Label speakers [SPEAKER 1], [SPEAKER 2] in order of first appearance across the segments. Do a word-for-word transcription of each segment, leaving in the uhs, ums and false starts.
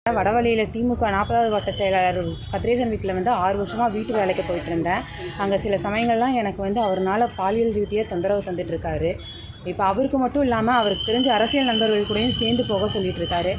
[SPEAKER 1] வடவள்ளியில் திமுக நாற்பதாவது வட்ட செயலாளர் கதிரேசன் வீட்டில் வந்து ஆறு வருஷமாக வீட்டு வேலைக்கு போயிட்டு இருந்தேன். அங்கே சில சமயங்கள்லாம் எனக்கு வந்து அவர்னால பாலியல் ரீதியாக தொந்தரவு தந்துட்டு இருக்காரு. இப்போ அவருக்கு மட்டும் இல்லாமல் அவருக்கு தெரிஞ்ச அரசியல் நண்பர்கள் கூடயும் சேர்ந்து போக சொல்லிட்டு இருக்காரு.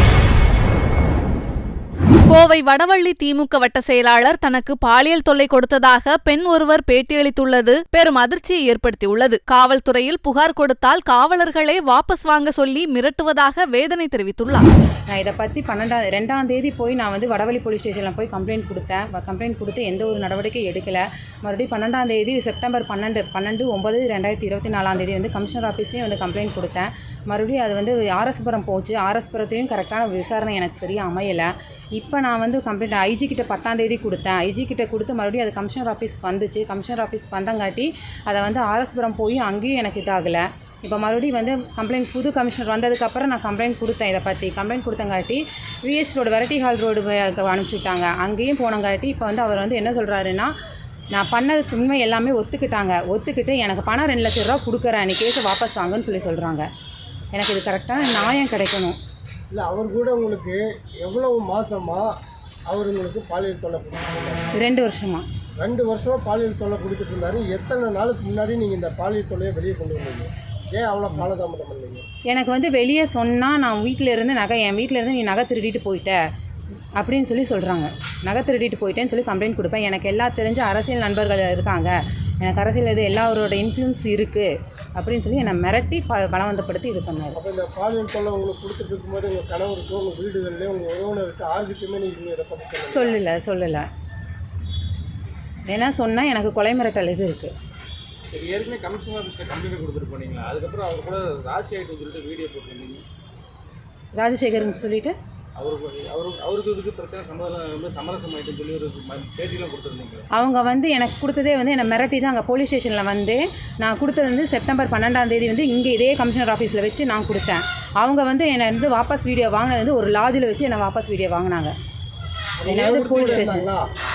[SPEAKER 2] கோவை வடவள்ளி திமுக வட்ட செயலாளர் தனக்கு பாலியல் தொல்லை கொடுத்ததாக பெண் ஒருவர் பேட்டியளித்துள்ளது பெரும் அதிர்ச்சியை ஏற்படுத்தியுள்ளது. காவல்துறையில் புகார் கொடுத்தால் காவலர்களே வாபஸ் வாங்க சொல்லி மிரட்டுவதாக வேதனை தெரிவித்துள்ளார்.
[SPEAKER 1] நான் இதை பற்றி பன்னெண்டாம் ரெண்டாம் தேதி போய் நான் வந்து வடவள்ளி போலீஸ் ஸ்டேஷனில் போய் கம்ப்ளைண்ட் கொடுத்தேன். கம்ப்ளைண்ட் கொடுத்து எந்த ஒரு நடவடிக்கை எடுக்கலை. மறுபடியும் பன்னெண்டாம் தேதி செப்டம்பர் பன்னெண்டு பன்னெண்டு ஒன்பது ரெண்டாயிரத்தி இருபத்தி நாலாம் தேதி வந்து கமிஷனர் ஆஃபீஸ்லேயும் வந்து கம்ப்ளைண்ட் கொடுத்தேன். மறுபடியும் அது வந்து ஆர்எஸ்புரம் போச்சு. ஆர்எஸ்புரத்தையும் கரெக்டான விசாரணை எனக்கு சரியாக அமையலை. இப்போ நான் வந்து கம்ப்ளைண்ட் ஐஜி கிட்ட பத்தாம் தேதி கொடுத்தேன். ஐஜி கிட்ட கொடுத்து மறுபடியும் அது கமிஷனர் ஆஃபீஸ் வந்துச்சு. கமிஷனர் ஆஃபீஸ் வந்தங்காட்டி அதை வந்து ஆர்எஸ்புரம் போய் அங்கேயும் எனக்கு இதாகலை. இப்போ மறுபடியும் வந்து கம்ப்ளைண்ட் புது கமிஷனர் வந்ததுக்கப்புறம் நான் கம்ப்ளைண்ட் கொடுத்தேன். இதை பற்றி கம்ப்ளைண்ட் கொடுத்தங்காட்டி VS road variety hall road அனுப்பிச்சி விட்டாங்க. அங்கேயும் போனங்காட்டி இப்போ வந்து அவர் வந்து என்ன சொல்கிறாருன்னா, நான் பண்ணதுக்கு உண்மை எல்லாமே ஒத்துக்கிட்டாங்க. ஒத்துக்கிட்டு எனக்கு பணம் ரெண்டு லட்ச ரூபா கொடுக்குறேன், நீ கேஸை வாபஸ் வாங்கன்னு சொல்லி சொல்கிறாங்க. எனக்கு இது கரெக்டான நியாயம் கிடைக்கணும்.
[SPEAKER 3] இல்லை, அவர் கூட உங்களுக்கு எவ்வளவு மாதமாக அவர் உங்களுக்கு பாலியல் தொல்லை கொடுத்துருந்தாரு?
[SPEAKER 1] ரெண்டு வருஷமா
[SPEAKER 3] ரெண்டு வருஷமாக பாலியல் தொல்லை கொடுத்துட்டு இருந்தாரு. எத்தனை நாளுக்கு முன்னாடி நீங்கள் இந்த பாலியல் தொல்லையை வெளியே கொண்டு வந்தீங்க? ஏன் அவ்வளோ காலதாமதம் பண்ணீங்க?
[SPEAKER 1] எனக்கு வந்து வெளியே சொன்னால் நான் வீட்டில் இருந்து நகை என் வீட்டில் இருந்து நீ நகை திருடிட்டு போயிட்ட அப்படின்னு சொல்லி சொல்கிறாங்க. நகை திருடிட்டு போயிட்டேன்னு சொல்லி கம்ப்ளைண்ட் கொடுப்பேன். எனக்கு எல்லா தெரிஞ்ச அரசியல் நண்பர்கள் இருக்காங்க, எனக்கு அரசியல் இது எல்லாரோட இன்ஃப்ளூயன்ஸ் இருக்குது அப்படின்னு சொல்லி என்னை மிரட்டி ப பலவந்தப்படுத்தி இது பண்ணார்.
[SPEAKER 3] அப்போ இந்த பாலியல் தொல்லை உங்களுக்கு கொடுத்துட்டு இருக்கும்போது உங்கள் கணவருக்கு, உங்கள் வீடுகள்லேயே, உங்கள் உறவினருக்கு ஆர்கிட்டுமே நீங்கள் இதை பற்றி
[SPEAKER 1] சொல்லலை சொல்லலை ஏன்னா சொன்னால் எனக்கு கொலை மிரட்டல் இது இருக்குது.
[SPEAKER 4] சரி, ஏற்கனவே கமிஷனர் ஆஃபீஸில் கம்ப்ளைண்ட் கொடுத்துட்டு போனீங்களா? அதுக்கப்புறம் அவர் கூட ராஜசேகர்னு சொல்லிட்டு வீடியோ போட்டிருந்தீங்க.
[SPEAKER 1] ராஜசேகர்னு சொல்லிட்டு
[SPEAKER 4] அவருக்கு அவருக்கு அவருக்கு இதுக்கு பிரச்சனை சம்மதம் வந்து சமரசம் ஆகிட்டுன்னு சொல்லி ஒரு பேட்டிலாம் கொடுத்துருந்தீங்க.
[SPEAKER 1] அவங்க வந்து எனக்கு கொடுத்ததே வந்து என்னை மிரட்டி தான் அங்கே போலீஸ் ஸ்டேஷனில் வந்து நான் கொடுத்தது வந்து செப்டம்பர் பன்னெண்டாம் தேதி வந்து இங்கே இதே கமிஷனர் ஆஃபீஸில் வச்சு நான் கொடுத்தேன். அவங்க வந்து என்னை வந்து வாபஸ் வீடியோ வாங்கினது வந்து ஒரு லாட்ஜில் வச்சு என்னை வாபஸ் வீடியோ வாங்கினாங்க. என்னை வந்து போலீஸ் ஸ்டேஷன்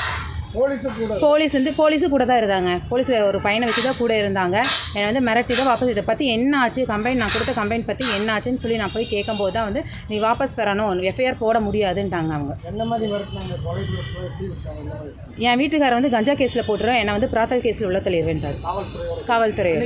[SPEAKER 1] போலீஸ் வந்து போலீஸு கூட தான் இருந்தாங்க. போலீஸ் ஒரு பையனை வச்சு தான் கூட இருந்தாங்க. என்னை வந்து மிரட்டி தான் வாபஸ் இதை பற்றி என்ன ஆச்சு, கம்ப்ளைண்ட் நான் கொடுத்த கம்ப்ளைண்ட் பற்றி என்ன ஆச்சுன்னு சொல்லி நான் போய் கேட்கும்போது தான் வந்து நீ வாபஸ் பெறணும், எஃப்ஐஆர் போட முடியாதுன்ட்டாங்க. அவங்க
[SPEAKER 3] எந்த மாதிரி மிரட்டினாங்க?
[SPEAKER 1] என் வீட்டுக்காரர் வந்து கஞ்சா கேஸில் போட்டுறோம், என்னை வந்து பிராத்தல் கேஸில் உள்ள தள்ளிடுவேன்ட்டார் காவல்துறை.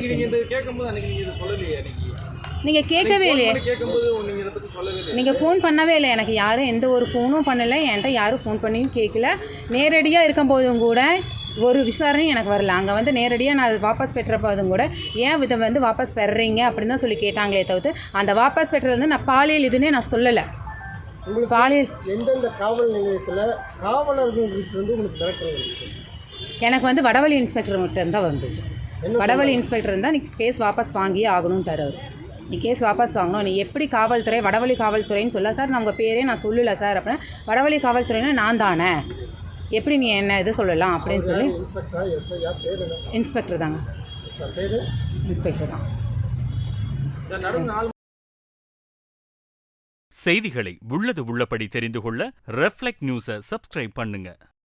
[SPEAKER 1] நீங்கள் கேட்கவே இல்லையே, நீங்கள் ஃபோன் பண்ணவே இல்லை. எனக்கு யாரும் எந்த ஒரு ஃபோனும் பண்ணலை, என்கிட்ட யாரும் ஃபோன் பண்ணியும் கேட்கல. நேரடியாக இருக்கும்போதும் கூட ஒரு விசாரணையும் எனக்கு வரல. அங்கே வந்து நேரடியாக நான் வாபஸ் பெற்றப்போதும் கூட ஏன் இதை வந்து வாபஸ் பெறுறீங்க அப்படின்னு தான் சொல்லி கேட்டாங்களே தவிர்த்து அந்த வாபஸ் பெற்றது வந்து நான் பாலியல் இதுன்னே நான் சொல்லலை.
[SPEAKER 3] உங்களுக்கு பாலியல் எந்தெந்த காவல் நிலையத்தில் காவலர்கள் வந்து உங்களுக்கு மிரட்டல் வந்துச்சு?
[SPEAKER 1] எனக்கு வந்து வடவள்ளி இன்ஸ்பெக்டர் மட்டும் தான் வந்துச்சு. வடவள்ளி இன்ஸ்பெக்டர் இருந்தால் நீ கேஸ் வாபஸ் வாங்கியே ஆகணும்ட்டார் அவர். நீ கேஸ் வாபஸ் வாங்கணும், நீ எப்படி காவல்துறை வடவள்ளி காவல்துறைன்னு சொல்ல சார், நான் உங்கள் பேரே நான் சொல்லலை சார் அப்படின்னா வடவள்ளி காவல்துறைன்னா நான் தானே, எப்படி நீ என்ன இது சொல்லலாம் அப்படின்னு சொல்லி இன்ஸ்பெக்டர் தாங்க இன்ஸ்பெக்டர் தான்.
[SPEAKER 5] செய்திகளை உள்ளது உள்ளபடி தெரிந்து கொள்ள ரெஃப்ளெக்ட் நியூஸை சப்ஸ்கிரைப் பண்ணுங்க.